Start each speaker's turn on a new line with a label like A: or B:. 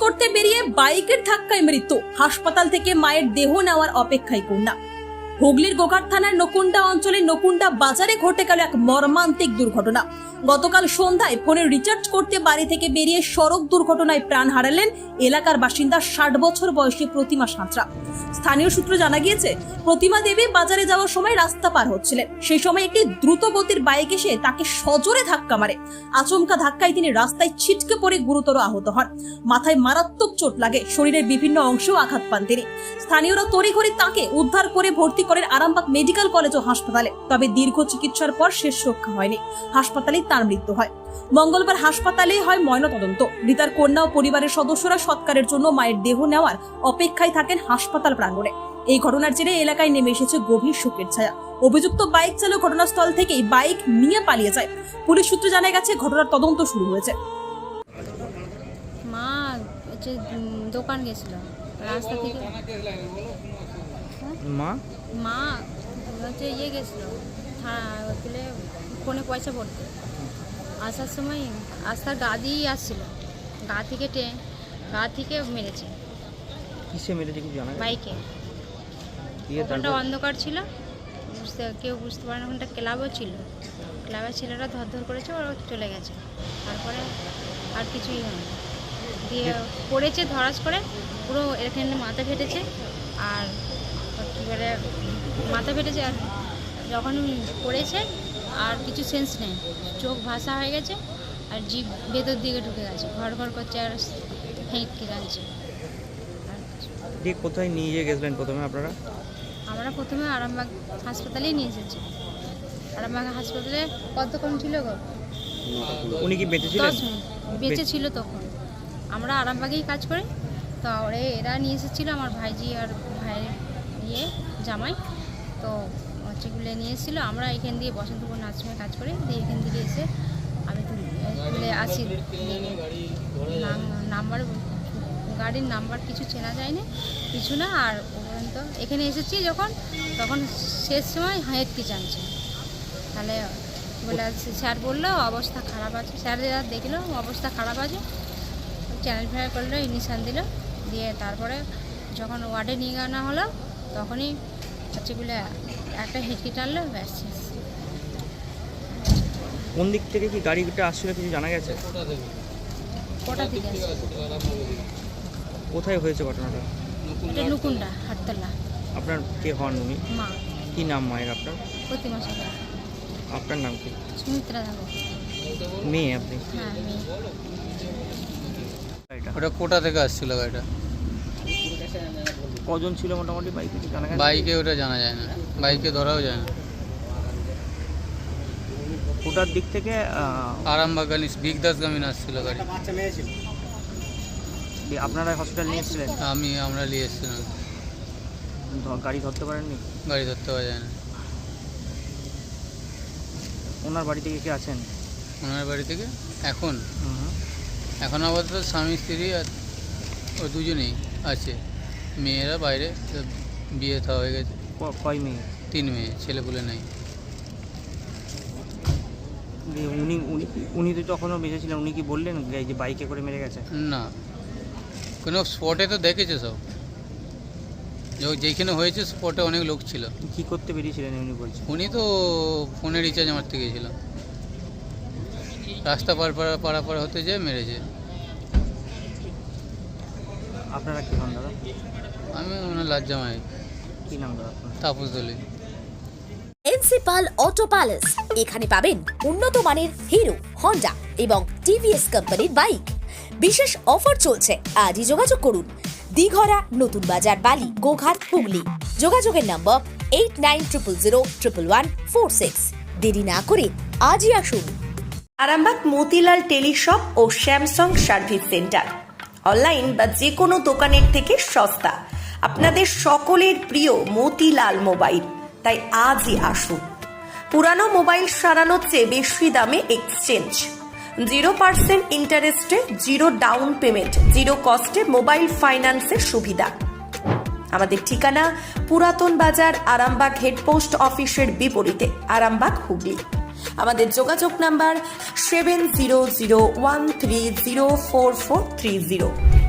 A: করতে বেরিয়ে বাইকের ধাক্কায় মৃত্যু, হাসপাতাল থেকে মায়ের দেহ নেওয়ার অপেক্ষায় কন্যা। হুগলির গোঘাট থানার নকুন্ডা অঞ্চলে নকুন্ডা বাজারে ঘটে গেল এক মর্মান্তিক দুর্ঘটনা। গতকাল সন্ধ্যায় ফোনে রিচার্জ করতে বাড়ি থেকে বেরিয়ে সড়ক দুর্ঘটনায় প্রাণ হারালেন এলাকার বাসিন্দা 60 বছর বয়সী প্রতিমা সাঁতরা। স্থানীয় সূত্রে জানা গিয়েছে, প্রতিমা দেবী বাজারে যাওয়ার সময় রাস্তা পার হচ্ছিলেন। সেই সময় একটি দ্রুত গতির বাইক এসে তাকে সজোরে ধাক্কা মারে। আচমকা ধাক্কায় তিনি রাস্তায় ছিটকে পড়ে গুরুতর আহত হন। মাথায় মারাত্মক চোট লাগে, শরীরের বিভিন্ন অংশেও আঘাত পান তিনি। স্থানীয়রা তড়িঘড়ি তাকে উদ্ধার করে ভর্তি করেন আরামবাগ মেডিকেল কলেজ ও হাসপাতালে। তবে দীর্ঘ চিকিৎসার পর শেষ রক্ষা হয়নি, হাসপাতালেই তার মৃত্যু হয়। মঙ্গলবার হাসপাতালে হয় ময়নাতদন্ত। মৃতার কন্যা ও পরিবারের সদস্যরা সৎকারের জন্য মায়ের দেহ নেওয়ার অপেক্ষায় থাকেন হাসপাতাল প্রাঙ্গণে। এই ঘটনার জেরে এলাকায় নেমে এসেছে গভীর শোকের ছায়া। অভিযুক্ত বাইক চালক ঘটনাস্থল থেকেই বাইক নিয়ে পালিয়ে যায়। পুলিশ সূত্রে জানা গেছে, ঘটনার তদন্ত শুরু হয়েছে।
B: মা হচ্ছে দোকান গেছিল, রাস্তা থেকে মা হচ্ছে গেছিল থানা ফোনে পয়সা পড়তে। আসার সময় আস্তার গা দিয়েই আসছিল, গা থেকে মেরেছে।
C: কিসে মেরেছে কিছু জানা?
B: বাইকে। ওখানটা অন্ধকার ছিল, কেউ বুঝতে পারে না। ওখানটা ক্লাবও ছিল, ক্লাবের ছেলেরা ধর করেছে, ওরা চলে গেছে। তারপরে আর কিছুই হয়নি, দিয়ে পড়েছে ধরাস করে, পুরো এখানে মাথা ফেটেছে। আর কী বলে মাথা ফেটেছে, আর যখন পড়েছে আর কিছু সেন্স নেই, চোখ ভাসা হয়ে গেছে, আর জিভ ভেতর দিকে ঢুকে গেছে, ঘর করছে আর হেঁটকে যাচ্ছে।
C: কোথায় নিয়ে গেছিলেন প্রথমে আপনারা?
B: আমরা প্রথমে আরামবাগ হাসপাতালেই নিয়ে এসেছি। আরামবাগ হাসপাতালে কতক্ষণ ছিল গো?
C: উনি কি বেঁচে ছিলেন?
B: 10 মিনিট বেঁচে ছিল তখন। আমরা আরামবাগেই কাজ করি, তো এরা নিয়ে এসেছিলো, আমার ভাইজি আর ভাইয়ের জামাই, তো হচ্ছেগুলো নিয়ে এসেছিলো। আমরা এখান দিয়ে বসন্তপুর নার্সিংহোমে কাজ করি, দিয়ে এখান থেকে এসে আমি তুলে আসি। নাম্বার গাড়ির নাম্বার কিছু চেনা যায়নি, কিছু না। আর পর্যন্ত এখানে এসেছি যখন, তখন শেষ সময় হেঁটকে জানছে। তাহলে বলে স্যার বললো অবস্থা খারাপ আছে, স্যার যা দেখলো অবস্থা খারাপ আছে, চ্যানেল ফেয়ার করলো, ইঞ্জেকশান দিল। দিয়ে তারপরে যখন ওয়ার্ডে নিয়ে আনা হলো, তখনই হচ্ছে বলে একটা হেঁটকে টানলো, ব্যাস শেষ।
C: কোন দিক থেকে কি গাড়িটা আসছিল কিছু জানা গেছে?
B: কোটা থেকে আসছে।
C: কোথায় হয়েছে ঘটনাটা?
B: এটা নকুন্ডা হাটতলা।
C: আপনার কে হন উনি?
B: মা।
C: কি নাম মায়ের আপনার?
B: প্রতিমা সাঁতরা।
C: আপনার নাম কি?
B: সুমিত্রা দেবো।
C: মেয়ে আপনি?
B: হ্যাঁ, মেয়ে।
D: ওটা কোটা থেকে আসছিল গাড়িটা।
C: কজন ছিল মোটামুটি বাইকে জানা গেছে?
D: বাইকে ওটা জানা যায় না, বাইকে ধরাও যায় না।
C: কোটার দিক থেকে
D: আরামবাগানি বিগদাসগামী আসছিল গাড়ি।
C: আপনারা হসপিটাল নিয়ে এসেছিলেন?
D: আমরা নিয়ে এসেছিলাম।
C: গাড়ি ধরতে পারেননি?
D: গাড়ি ধরতে পারা যায় না।
C: ওনার বাড়ি থেকে কে আছেন?
D: ওনার বাড়ি থেকে এখন আপাতত স্বামী স্ত্রী আর ও দুজনেই আছে, মেয়েরা বাইরে, বিয়ে থা হয়ে গেছে।
C: কয় মেয়ে?
D: 3 মেয়ে, ছেলেপুলে নাই।
C: উনি তো তখনও বেঁচে ছিলেন, উনি কি বললেন যে বাইকে করে মেরে গেছে?
D: না, কোনো স্পটে তো দেখেছে সব, যেখানে হয়েছে স্পটে অনেক লোক ছিল।
C: কি করতে বেরিয়েছিলেন উনি বলছেন?
D: উনি তো ফোনে রিচার্জ মারতে গিয়েছিল, রাস্তা পারাপার হতে যেয়ে মেরেছে।
C: আপনারা কি হন দাদা?
D: আমি ওনার লাজ্জামাই।
C: কি নাম দাদা আপনার?
D: তাপস দলি।
E: প্রিন্সিপাল অটো প্যালেস, এখানে পাবেন উন্নত মানের হিরো, হন্ডা এবং টিভিএস কোম্পানির বাইক। বিশেষ অফার চলছে, আজই যোগাযোগ করুন। দিঘরা, নতুন বাজার, বালি, গোঘাট, হুগলি। যোগাযোগের নম্বর 8900011146। দেরি না করে আজই আসুন।
F: আরামবাগ মতিলাল টেলিশপ ও স্যামসাং সার্ভিস সেন্টার, অনলাইন বা যে কোনো দোকানের থেকে সস্তা। আপনাদের সকলের প্রিয় মতিলাল মোবাইল, তাই আজই আসুন। পুরানো মোবাইল সারানোর চেয়ে বেশি দামে এক্সচেঞ্জ, 0% ইন্টারেস্টে, 0 ডাউন পেমেন্ট, 0 কস্টে মোবাইল ফাইন্যান্সের সুবিধা। আমাদের ঠিকানা পুরাতন বাজার, আরামবাগ হেডপোস্ট অফিসের বিপরীতে, আরামবাগ, হুগলি। আমাদের যোগাযোগ নাম্বার 7001304430।